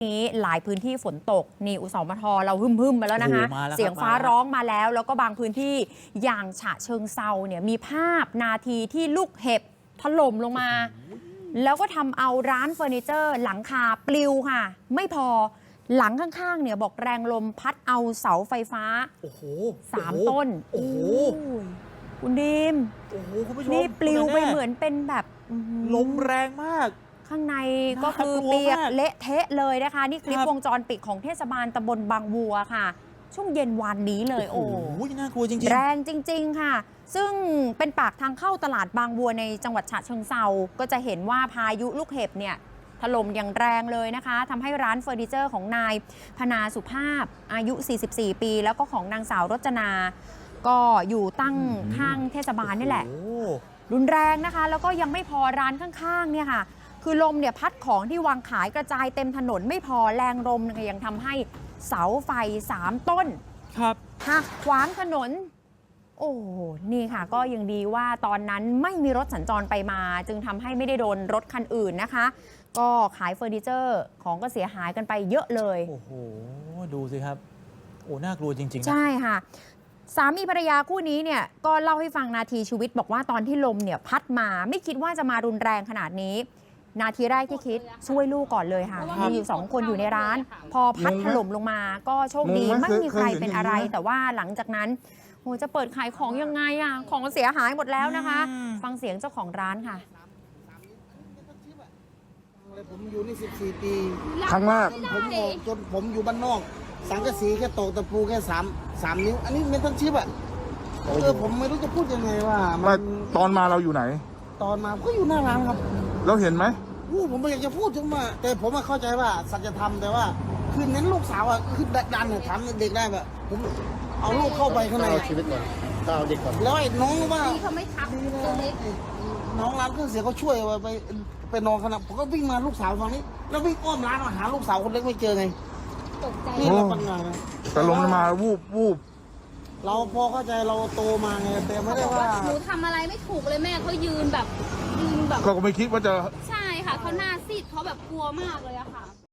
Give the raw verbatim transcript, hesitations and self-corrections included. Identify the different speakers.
Speaker 1: นี้หลายพื้นที่ฝนตกนี่อุสมทเราหึ่มๆมาแล้วนะคะเสียงฟ้าร้องมาแล้วแล้วก็บางพื้นที่อย่างฉะเชิงเซาเนี่ยมีภาพนาทีที่ลูกเห็บถล่มลงมาแล้วก็ทำเอาร้านเฟอร์นิเจอร์หลังคาปลิวค่ะไม่พอหลังข้างๆเนี่ยบอกแรงลมพัดเอาเสาไฟฟ้าโอ้โหสามต้นโอ้โหคุณดิมโอ้โหคุณผู้ชมนี่ปลิวไปเหมือนเป็นแบบ
Speaker 2: ลมแรงมาก
Speaker 1: ข้างในก็คือเปียกเละเทะเลยนะคะนี่คลิปวงจรปิดของเทศบาลตำบลบางวัวค่ะช่วงเย็นวานนี้เลยโอ้โห
Speaker 2: น่ากลัวจริงๆ
Speaker 1: แรงจริงๆค่ะซึ่งเป็นปากทางเข้าตลาดบางวัวในจังหวัดฉะเชิงเซาก็จะเห็นว่าพายุลูกเห็บเนี่ยถล่มอย่างแรงเลยนะคะทำให้ร้านเฟอร์นิเจอร์ของนายพนาสุภาพอายุสี่สิบสี่ปีแล้วก็ของนางสาวรจนาก็อยู่ตั้งข้างเทศบาลนี่แหละรุนแรงนะคะแล้วก็ยังไม่พอร้านข้างๆเนี่ยค่ะคือลมเนี่ยพัดของที่วางขายกระจายเต็มถนนไม่พอแรงลมยังทำให้เสาไฟสามต้น
Speaker 2: ครับ
Speaker 1: หักขวางถนนโอ้นี่ค่ะก็ยังดีว่าตอนนั้นไม่มีรถสัญจรไปมาจึงทำให้ไม่ได้โดนรถคันอื่นนะคะก็ขายเฟอร์นิเจอร์ของก็เสียหายกันไปเยอะเลย
Speaker 2: โอ้โหดูสิครับโอ้น่ากลัวจริงๆ
Speaker 1: ใช่ค่ะสามีภรรยาคู่นี้เนี่ยก็เล่าให้ฟังนาทีชีวิตบอกว่าตอนที่ลมเนี่ยพัดมาไม่คิดว่าจะมารุนแรงขนาดนี้นาทีแรกที่คิดช่วยลูกก่อนเลยค่ะมีอยู่สองคนอยู่ในร้านพอพัดถล่มลงมาก็โชคดีไม่มีใครเป็นอะไรแต่ว่าหลังจากนั้นโหจะเปิดขายของยังไงอ่ะของเสียหายหมดแล้วนะคะฟังเสียงเจ้าของร้านค่ะ
Speaker 3: ผมอยู่นี่สิบสี่ปี
Speaker 4: ครั้งแรก
Speaker 3: ผมออกจนผมอยู่บ้านนอกสังกะสีแค่ตอกตะปูแค่สามสามนิ้วอันนี้เมทัลชิปอ่ะเออผมไม่รู้จะพูดยังไงว่า
Speaker 4: มันตอนมาเราอยู่ไหน
Speaker 3: ตอนมาก็อยู่หน้าร้านครับ
Speaker 4: เราเห็นไหม
Speaker 3: อู้ผมไม่อยากจะพูดจังมาแต่ผมเข้าใจว่าสัจธรรมแต่ว่าคือเน้นลูกสาวอ่ะคือดันเนี่ยถามเด็กได้แบบผมเอาลูกเข้าไปข้างใน
Speaker 4: เอาชีวิตก่อนเอาเด็กก่อน
Speaker 3: แล้วไอ้น้องว่า
Speaker 5: เขาไม่ทับตัวเล็ก
Speaker 3: น้องร้านเครื่องเสียงเขาช่วยไปไปนอนขนาดผมก็วิ่งมาลูกสาวฝั่งนี้แล้ววิ่งอ้อมร้านมาหาลูกสาวคนเล็กไม่เจอไง
Speaker 5: ตกใจ
Speaker 3: นี่เราปัญหา
Speaker 4: แต่ลมมาวูบวูบ
Speaker 3: เราพอเข้าใจเราโตมาไงแต่ไม่ได้ว่า
Speaker 5: หนูทำอะไรไม่ถูกเลยแม่เขายืนแบบยืนแบบ
Speaker 4: ก็ไม่คิดว่าจะ
Speaker 5: ใช่ค่ะเขาหน้าซีดเขาแบบกลัวมากเลยอะค่ะ